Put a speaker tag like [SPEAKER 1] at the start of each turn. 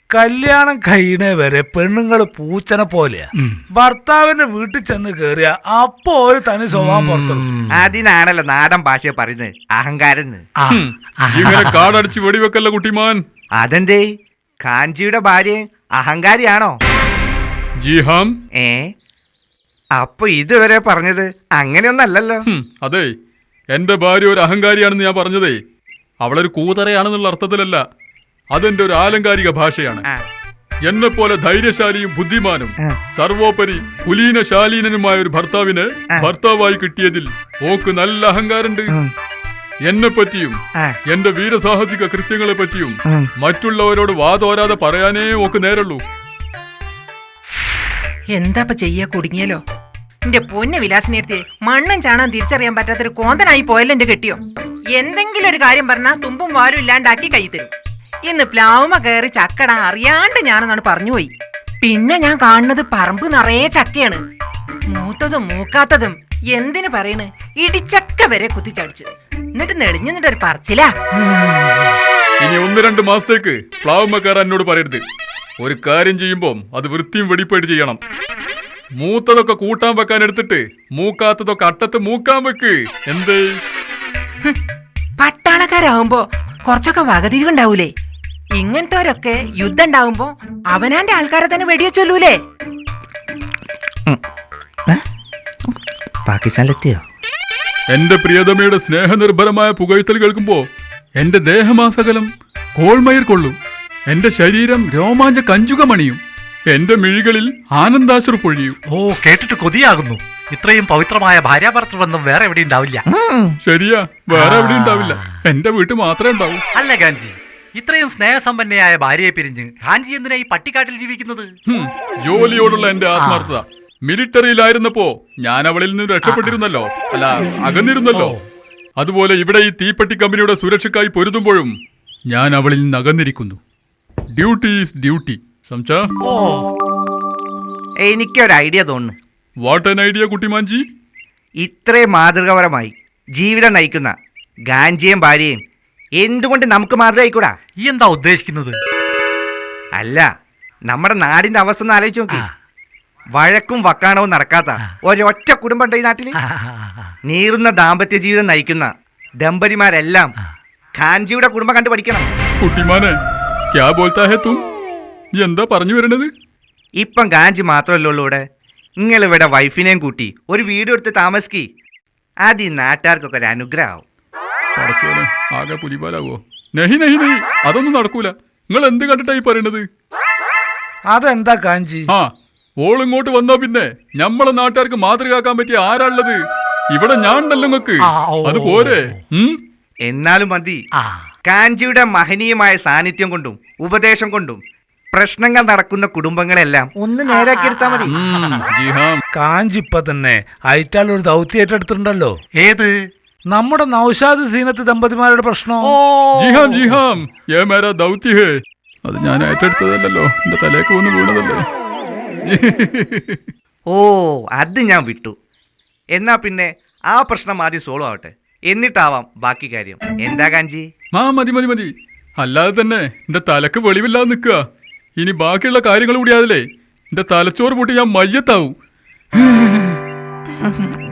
[SPEAKER 1] കല്യാണം കഴിയണേ വരെ പെണ്ണുങ്ങൾ പൂച്ചനെ പോലെയാ. ഭർത്താവിന്റെ വീട്ടിൽ ചെന്ന് കേറിയ അപ്പോ ഒരു തനി സ്വഭാവം പുറത്തെടുക്കും.
[SPEAKER 2] അതിനാണല്ലോ നാടൻ ഭാഷ പറയുന്നത് അഹങ്കാരം.
[SPEAKER 3] കാടടിച്ച് വെടിവെക്കല്ല കുട്ടിമാൻ.
[SPEAKER 2] അതെന്തേ കാഞ്ചിയുടെ ഭാര്യ അഹങ്കാരിയാണോ?
[SPEAKER 3] ജിഹാം.
[SPEAKER 2] അപ്പൊ ഇതുവരെ പറഞ്ഞത് അങ്ങനെയൊന്നല്ലല്ലോ.
[SPEAKER 3] അതെ, എന്റെ ഭാര്യ ഒരു അഹങ്കാരിയാണെന്ന് ഞാൻ പറഞ്ഞതേ അവളൊരു കൂതറയാണെന്നുള്ള അർത്ഥത്തിലല്ല. അതെന്റെ ഒരു ആലങ്കാരിക ഭാഷയാണ്. എന്നെ പോലെ ധൈര്യശാലിയും ബുദ്ധിമാനും സർവോപരി കുലീനശാലീനനുമായ ഒരു ഭർത്താവിനെ ഭർത്താവായി കിട്ടിയതിൽ ഓക്ക് നല്ല അഹങ്കാരമുണ്ട്. എന്നെ പറ്റിയും എന്റെ വീരസാഹസിക കൃത്യങ്ങളെ പറ്റിയും മറ്റുള്ളവരോട് വാതോരാതെ പറയാനേ ഓക്ക് നേരുള്ളൂ.
[SPEAKER 4] എന്താ ചെയ്യാ കുടുങ്ങിയല്ലോ. എന്റെ പൊന്നെ വിലാസിനെടുത്ത് മണ്ണും ചാണാൻ തിരിച്ചറിയാൻ പറ്റാത്തൊരു കോന്തനായി പോയല്ലോ എന്റെ കെട്ടിയോ. എന്തെങ്കിലും ഒരു കാര്യം പറഞ്ഞാൽ തുമ്പും വാലും ഇല്ലാണ്ടാക്കി കൈ തരും. ഇന്ന് പ്ലാവുമ കയറി ചക്കട അറിയാണ്ട് ഞാനെന്നാണ് പറഞ്ഞുപോയി. പിന്നെ ഞാൻ കാണുന്നത് പറമ്പ് നിറയെ ചക്കയാണ്. മൂത്തതും മൂക്കാത്തതും എന്തിനു പറയണ്, ഇടിച്ചക്ക വരെ കുത്തിച്ചടിച്ച്. എന്നിട്ട് നെളിഞ്ഞു നിന്നിട്ടൊരു പറച്ചിലാ.
[SPEAKER 3] ഇനി 1-2 മാസത്തേക്ക് പ്ലാവുമ കയറാൻ എന്നോട് പറയരുത്. ഒരു കാര്യം ചെയ്യുമ്പോ അത് വൃത്തിയും വെടിപ്പായിട്ട് ചെയ്യണം. മൂത്തതൊക്കെ കൂട്ടാൻ വെക്കാൻ എടുത്തിട്ട് മൂക്കാത്തതൊക്കെ അട്ടത്ത് മൂക്കാൻ വെക്ക്. എന്തേ
[SPEAKER 4] പട്ടാളക്കാരാവുമ്പോ കുറച്ചൊക്കെ വകതിരിവുണ്ടാവൂലേ? ഇങ്ങനത്തെവരൊക്കെ യുദ്ധം ഉണ്ടാവുമ്പോ അവനാന്റെ ആൾക്കാരെ തന്നെ വെടിവെച്ചൊല്ലൂലേ?
[SPEAKER 2] പാകിസ്ഥാനിലെത്തിയോ?
[SPEAKER 3] എന്റെ പ്രിയതമയുടെ സ്നേഹനിർഭരമായ പുകഴ്ത്തൽ കേൾക്കുമ്പോ എന്റെ ദേഹമാസകലം കോൾമയിർ കൊള്ളും. എന്റെ ശരീരം രോമാഞ്ച കഞ്ചുകമണിയും. എന്റെ മിഴികളിൽ ആനന്ദാശ്രു പൊഴിയും.
[SPEAKER 1] കേട്ടിട്ട് കൊതിയാകുന്നു. ഇത്രയും പവിത്രമായ ഭാര്യാഭർത്തൃബന്ധം വേറെ എവിടെ ഉണ്ടാവില്ല.
[SPEAKER 3] ശരിയാ, വേറെ എവിടെ ഉണ്ടാവില്ല. എന്റെ വീട്ടിൽ മാത്രമേ ഉണ്ടാവൂ.
[SPEAKER 1] അല്ല ഗാഞ്ചി, ഇത്രയും സ്നേഹസമ്പന്നയായ ഭാര്യയെ പിരിഞ്ഞ് ഗാഞ്ചി എന്തിനാ ഈ പട്ടിക്കാട്ടിൽ ജീവിക്കുന്നത്?
[SPEAKER 3] ജോലിയോടുള്ള എന്റെ ആത്മാർത്ഥത. മിലിറ്ററിയിലായിരുന്നപ്പോ ഞാൻ അവളിൽ നിന്ന് രക്ഷപ്പെട്ടിരുന്നല്ലോ, അല്ല അകന്നിരുന്നല്ലോ. അതുപോലെ ഇവിടെ ഈ തീപ്പെട്ടി കമ്പനിയുടെ സുരക്ഷയ്ക്കായി പൊരുതുമ്പോഴും ഞാൻ അവളിൽ നിന്ന് അകന്നിരിക്കുന്നു. Duty is duty.
[SPEAKER 2] എനിക്കൊരു ഐഡിയ തോന്നുന്നു.
[SPEAKER 3] വാട്ട് ആൻ ഐഡിയ കുട്ടിമാൻജി?
[SPEAKER 2] ഇത്രയും മാതൃകാപരമായി ജീവിതം നയിക്കുന്ന ഗാഞ്ചിയും ഭാര്യയും എന്തുകൊണ്ട് നമുക്ക് മാതൃകയായിക്കൂടാ?
[SPEAKER 1] ഈ എന്താ ഉദ്ദേശിക്കുന്നത്?
[SPEAKER 2] അല്ല, നമ്മുടെ നാടിന്റെ അവസ്ഥ ഒന്ന് ആലോചിച്ച് നോക്കി. വഴക്കും വക്കാണവും നടക്കാത്ത ഒരൊറ്റ കുടുംബം ഉണ്ട് ഈ നാട്ടില്. നീറുന്ന ദാമ്പത്യ ജീവിതം നയിക്കുന്ന ദമ്പതിമാരെല്ലാം ഖാൻജിയുടെ കുടുംബം കണ്ടു പഠിക്കണം.
[SPEAKER 3] കുട്ടിമാനെ ക്യാ ബോൽത്താ ഹേ തും? എന്താ പറഞ്ഞു വരണത്?
[SPEAKER 2] ഇപ്പം ഗാഞ്ചി മാത്രമല്ലോ ഉള്ളൂ ഇവിടെ. നിങ്ങളിവിടെ വൈഫിനെയും കൂട്ടി ഒരു വീട് എടുത്ത് താമസിക്കി. അത് ഈ നാട്ടുകാർക്കൊക്കെ ഒരു അനുഗ്രഹമാവും.
[SPEAKER 3] ആകെ പുലിപാലാവോ? നെഹി നെഹി നെഹി, അതൊന്നും നടക്കൂല. നിങ്ങൾ എന്ത് കണ്ടിട്ടായി പറയണത്?
[SPEAKER 1] അതെന്താ കാഞ്ചി?
[SPEAKER 3] ഓളിങ്ങോട്ട് വന്നാ പിന്നെ ഞമ്മളെ നാട്ടുകാർക്ക് മാതൃകയാക്കാൻ പറ്റിയ ആരാളുള്ളത്? ഇവിടെ ഞാൻ ഉണ്ടല്ലോ നിങ്ങൾക്ക്. അത് പോരെ?
[SPEAKER 2] എന്നാലും മതി. കാഞ്ചിയുടെ മഹനീയമായ സാന്നിധ്യം കൊണ്ടും ഉപദേശം കൊണ്ടും പ്രശ്നങ്ങൾ നടക്കുന്ന കുടുംബങ്ങളെല്ലാം ഒന്ന് നേരാക്കിയെടുത്താ മതി.
[SPEAKER 1] കാഞ്ചി ഇപ്പൊ തന്നെ അയറ്റാൾ ഒരു ദൗത്യം ഏറ്റെടുത്തിട്ടുണ്ടല്ലോ. ഏത്? നമ്മുടെ നൗഷാദ് സീനത്ത് ദമ്പതിമാരുടെ പ്രശ്നം.
[SPEAKER 3] അത് ഞാൻ ഏറ്റെടുത്തതല്ലോ, എന്റെ തലേക്ക് വന്ന് വീണതല്ലേ.
[SPEAKER 2] അത് ഞാൻ വിട്ടു. എന്നാ പിന്നെ ആ പ്രശ്നം ആദ്യം സോൾവ് ആവട്ടെ, എന്നിട്ടാവാം ബാക്കി കാര്യം. എന്താ കാഞ്ചി?
[SPEAKER 3] മതി മതി മതി. അല്ലാതെ തന്നെ എന്റെ തലക്ക് വെളിവില്ലാതെ നിൽക്കുക. ഇനി ബാക്കിയുള്ള കാര്യങ്ങൾ കൂടി അതിലേ എന്റെ തലച്ചോറ് പൊട്ടി ഞാൻ മയ്യത്താവും.